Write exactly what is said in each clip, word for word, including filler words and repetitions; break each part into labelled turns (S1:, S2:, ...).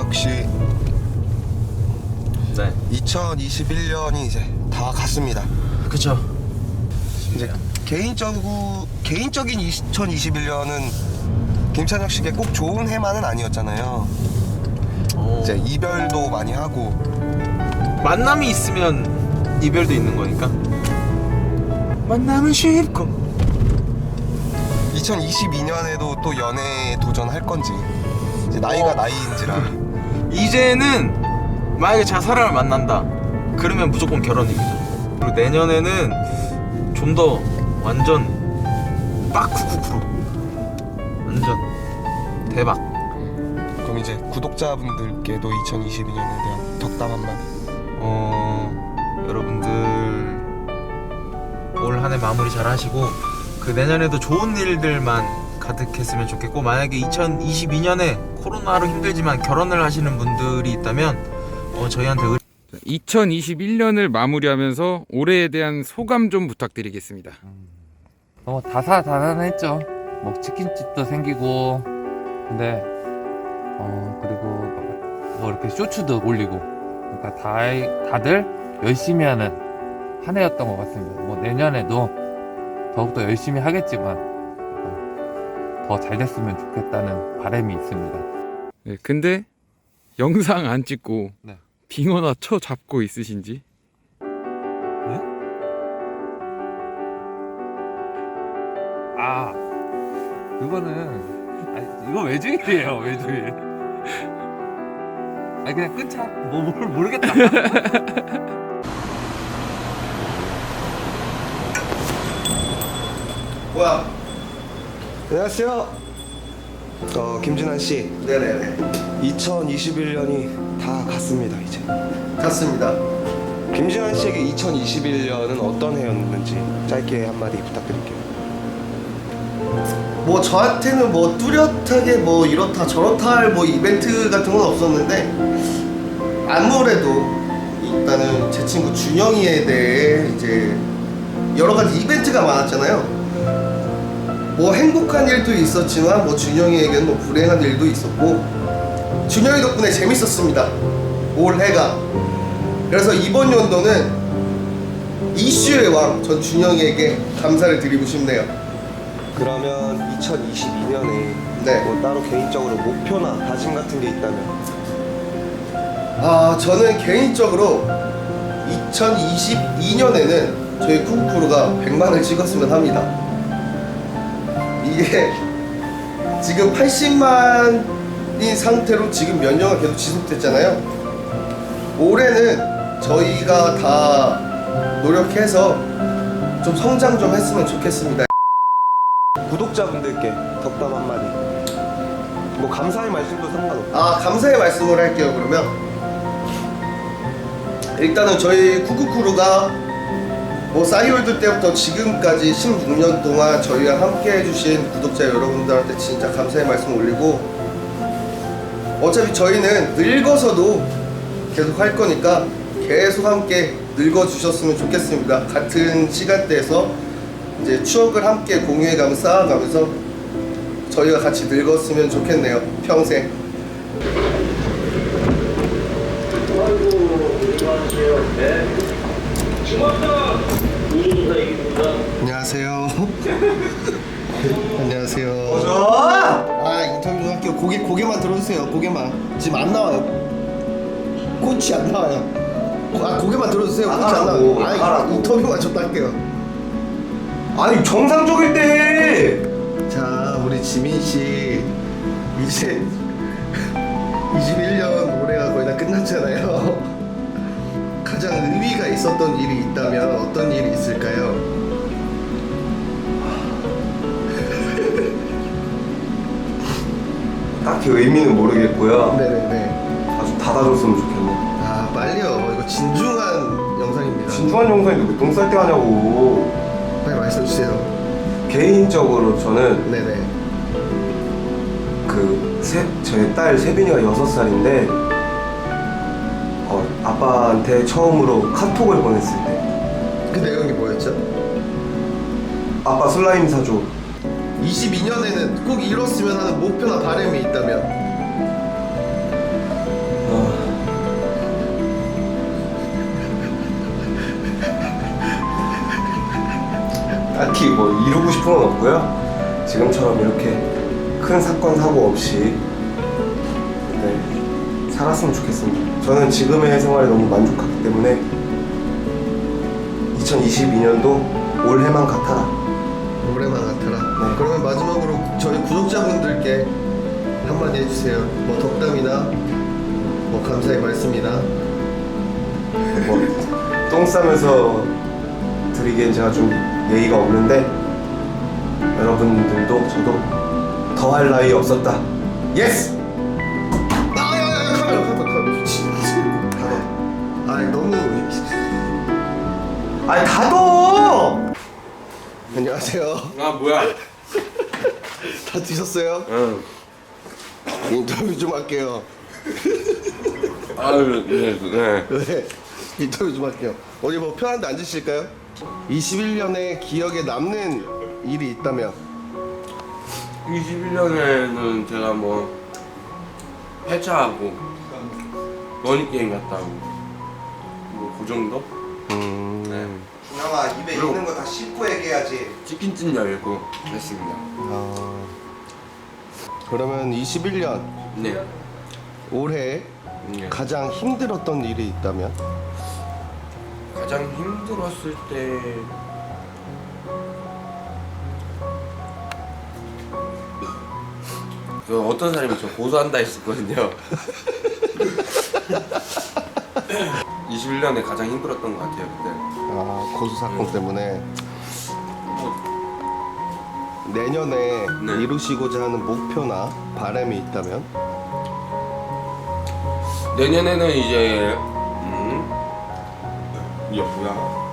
S1: 역시
S2: 네.
S1: 이천이십일 년이 이제 다 갔습니다.
S2: 그쵸.
S1: 이제 개인적으로 개인적인 이천이십일 년은 김찬혁 씨에게 꼭 좋은 해만은 아니었잖아요.
S2: 오.
S1: 이제 이별도 많이 하고
S2: 만남이 있으면 이별도 있는 거니까. 만남은 쉽고.
S1: 이천이십이 년에도 또 연애에 도전할 건지 이제 나이가
S2: 어.
S1: 나이인지라
S2: 이제는 만약에 제가 사람을 만난다 그러면 무조건 결혼입니다. 그리고 내년에는 좀 더 완전 빡쿠쿠쿠로 완전 대박.
S1: 그럼 이제 구독자분들께도 이천이십이 년에 대한 덕담 한마디.
S2: 어 여러분들 올 한 해 마무리 잘 하시고 그 내년에도 좋은 일들만 가득했으면 좋겠고, 만약에 이천이십이 년에 코로나로 힘들지만 결혼을 하시는 분들이 있다면 어 저희한테 의...
S3: 이천이십일 년을 마무리하면서 올해에 대한 소감 좀 부탁드리겠습니다.
S4: 너무 다사다난했죠. 뭐 치킨집도 생기고, 근데 어 그리고 뭐 이렇게 쇼츠도 올리고, 그러니까 다 다들 열심히 하는 한 해였던 것 같습니다. 뭐 내년에도 더욱더 열심히 하겠지만 더 잘 됐으면 좋겠다는 바람이 있습니다.
S3: 네, 근데 영상 안 찍고
S4: 네.
S3: 빙어나 쳐 잡고 있으신지?
S4: 네? 아, 그거는 아니, 이거 외주일이에요, 외주일. 아니 그냥 끊자. 뭐 뭘 모르겠다.
S1: 뭐야? 안녕하세요. 어 김진환 씨.
S5: 네네네.
S1: 이천이십일 년이 다 갔습니다 이제.
S5: 갔습니다.
S1: 김진환 씨에게 이천이십일 년은 어떤 해였는지 짧게 한마디 부탁드릴게요.
S5: 뭐 저한테는 뭐 뚜렷하게 뭐 이렇다 저렇다 할 뭐 이벤트 같은 건 없었는데, 아무래도 일단은 제 친구 준영이에 대해 이제 여러 가지 이벤트가 많았잖아요. 뭐 행복한 일도 있었지만 뭐 준영이에게는 뭐 불행한 일도 있었고, 준영이 덕분에 재밌었습니다, 올해가. 그래서 이번 연도는 이슈의 왕 전 준영이에게 감사를 드리고 싶네요.
S1: 그러면 이천이십이 년에
S5: 네.
S1: 뭐 따로 개인적으로 목표나 다짐 같은 게 있다면?
S5: 아, 저는 개인적으로 이천이십이 년에는 저희 쿠쿠쿠루가 백만을 찍었으면 합니다. 이게 지금 팔십만인 상태로 지금 몇 년간 계속 지속됐잖아요. 올해는 저희가 다 노력해서 좀 성장 좀 했으면 좋겠습니다.
S1: 구독자분들께 덕담 한마디. 뭐 감사의 말씀도 상관없고.
S5: 아, 감사의 말씀을 할게요. 그러면 일단은 저희 쿠쿠쿠루가 뭐 싸이월드 때부터 지금까지 십육 년 동안 저희와 함께 해주신 구독자 여러분들한테 진짜 감사의 말씀 올리고, 어차피 저희는 늙어서도 계속 할 거니까 계속 함께 늙어주셨으면 좋겠습니다. 같은 시간대에서 이제 추억을 함께 공유해가며 쌓아가면서 저희가 같이 늙었으면 좋겠네요, 평생. 안녕하세요. 안녕하세요. 아, 인터뷰 좀 할게요. 고개, 고개만 들어주세요. 고개만. 지금 안 나와요. 꽃이 안 나와요. 고, 아, 고개만 들어주세요. 꽃이 안 나와요. 아, 인터뷰만 좀 할게요.
S1: 아니 정상적일 때.
S5: 자, 우리 지민 씨 이제 이십일 년 올해가 거의 다 끝났잖아요. 가장 의미가 있었던 일이 있다면 어떤 일이 있을까요?
S1: 딱히 의미는 모르겠고요.
S5: 네네네.
S1: 아주 닫아줬으면 좋겠네.
S5: 아, 빨리요. 이거 진중한 영상입니다.
S1: 진중한 영상인데 왜 똥 쌀 때 하냐고.
S5: 빨리 말씀해 주세요.
S1: 개인적으로 저는
S5: 네네.
S1: 그 세, 저희 딸 세빈이가 여섯 살인데 어, 아빠한테 처음으로 카톡을 보냈을 때
S5: 그 내용이 뭐였죠?
S1: 아빠 슬라임 사줘.
S5: 이십이 년에는 꼭 이뤘으면 하는 목표나 바람이 있다면?
S1: 딱히 뭐 이루고 싶은 건 없고요. 지금처럼 이렇게 큰 사건 사고 없이 네, 살았으면 좋겠습니다. 저는 지금의 생활에 너무 만족하기 때문에 이천이십이 년도 올해만 같아라.
S5: 올해만 같아라.
S1: 네.
S5: 그러면 마지막으로 저희 구독자분들께 한마디 해주세요. 뭐 덕담이나 뭐 감사의 말씀이나.
S1: 뭐 똥 싸면서 드리기엔 제가 좀 예의가 없는데 여러분들도 저도 더할 나위 없었다. 예스!
S5: 아야야야 카메라 카메라 카메라 미친. 아 너무.
S1: 아니 닫어!
S5: 안녕하세요.
S6: 아 뭐야?
S5: 다 드셨어요?
S6: 응.
S5: 인터뷰 좀 할게요.
S6: 아유 네 네.
S5: 네, 인터뷰 좀 할게요. 어디 뭐 편한데 앉으실까요? 이십일 년에 기억에 남는 일이 있다면?
S6: 이십일 년에는 제가 뭐 회차하고 머니 게임 갔다 오고 뭐 그 정도?
S5: 음.
S6: 네.
S1: 준영아 입에
S6: 그럼.
S1: 있는 거 다 씹고 얘기해야지.
S6: 치킨집 열고 했습니다.
S5: 아. 그러면 이십일 년
S6: 네.
S5: 올해
S6: 네.
S5: 가장 힘들었던 일이 있다면?
S6: 가장 힘들었을 때 그 어떤 사람이 저 고소한다 했었거든요. 이십일 년에 가장 힘들었던 것 같아요 그때.
S5: 아, 고수 사건
S6: 음.
S5: 때문에.
S6: 뭐,
S5: 내년에
S6: 네.
S5: 이루시고자 하는 목표나 바람이 있다면?
S6: 내년에는 이제 음 이게 뭐야?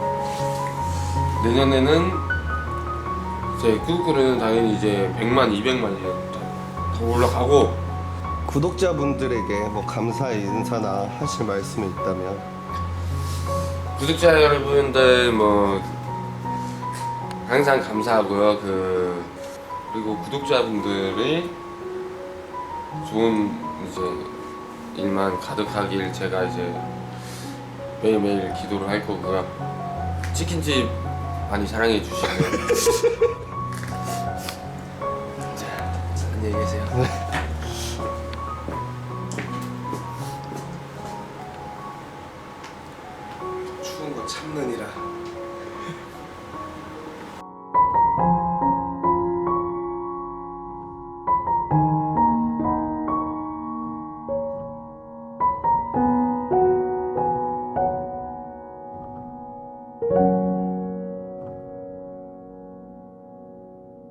S6: 내년에는 제 구독자는 당연히 이제 백만, 이백만 이제 더, 더 올라가고
S5: 구독자분들에게 뭐 감사의 인사나 하실 말씀이 있다면?
S6: 구독자 여러분들 뭐 항상 감사하고요. 그 그리고 구독자분들이 좋은 이제 일만 가득하길 제가 이제 매일매일 기도를 할 거고요. 치킨집 많이 사랑해 주시고요. 자, 안녕히 계세요.